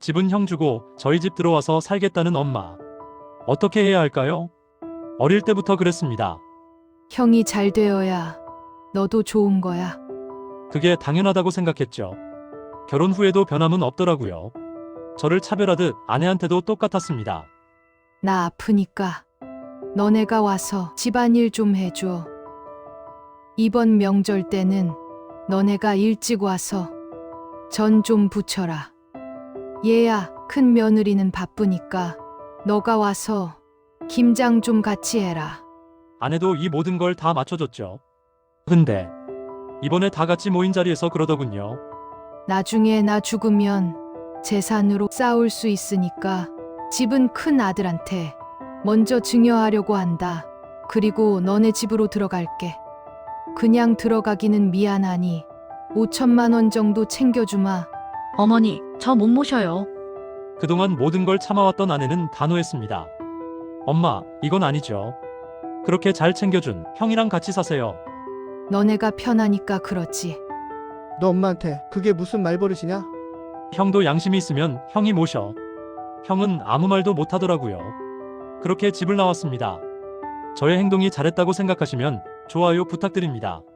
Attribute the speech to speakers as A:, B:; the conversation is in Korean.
A: 집은 형 주고 저희 집 들어와서 살겠다는 엄마. 어떻게 해야 할까요? 어릴 때부터 그랬습니다.
B: 형이 잘 되어야 너도 좋은 거야.
A: 그게 당연하다고 생각했죠. 결혼 후에도 변함은 없더라고요. 저를 차별하듯 아내한테도 똑같았습니다.
B: 나 아프니까 너네가 와서 집안일 좀 해줘. 이번 명절 때는 너네가 일찍 와서 전 좀 부쳐라. 얘야, 큰 며느리는 바쁘니까 너가 와서 김장 좀 같이 해라.
A: 아내도 이 모든 걸 다 맞춰줬죠. 근데 이번에 다 같이 모인 자리에서 그러더군요.
B: 나중에 나 죽으면 재산으로 싸울 수 있으니까 집은 큰 아들한테 먼저 증여하려고 한다. 그리고 너네 집으로 들어갈게. 그냥 들어가기는 미안하니 5천만 원 정도 챙겨주마.
C: 어머니, 저 못 모셔요.
A: 그동안 모든 걸 참아왔던 아내는 단호했습니다. 엄마, 이건 아니죠. 그렇게 잘 챙겨준 형이랑 같이 사세요.
B: 너네가 편하니까 그렇지.
D: 너 엄마한테 그게 무슨 말버릇이냐?
A: 형도 양심이 있으면 형이 모셔. 형은 아무 말도 못하더라고요. 그렇게 집을 나왔습니다. 저의 행동이 잘했다고 생각하시면 좋아요 부탁드립니다.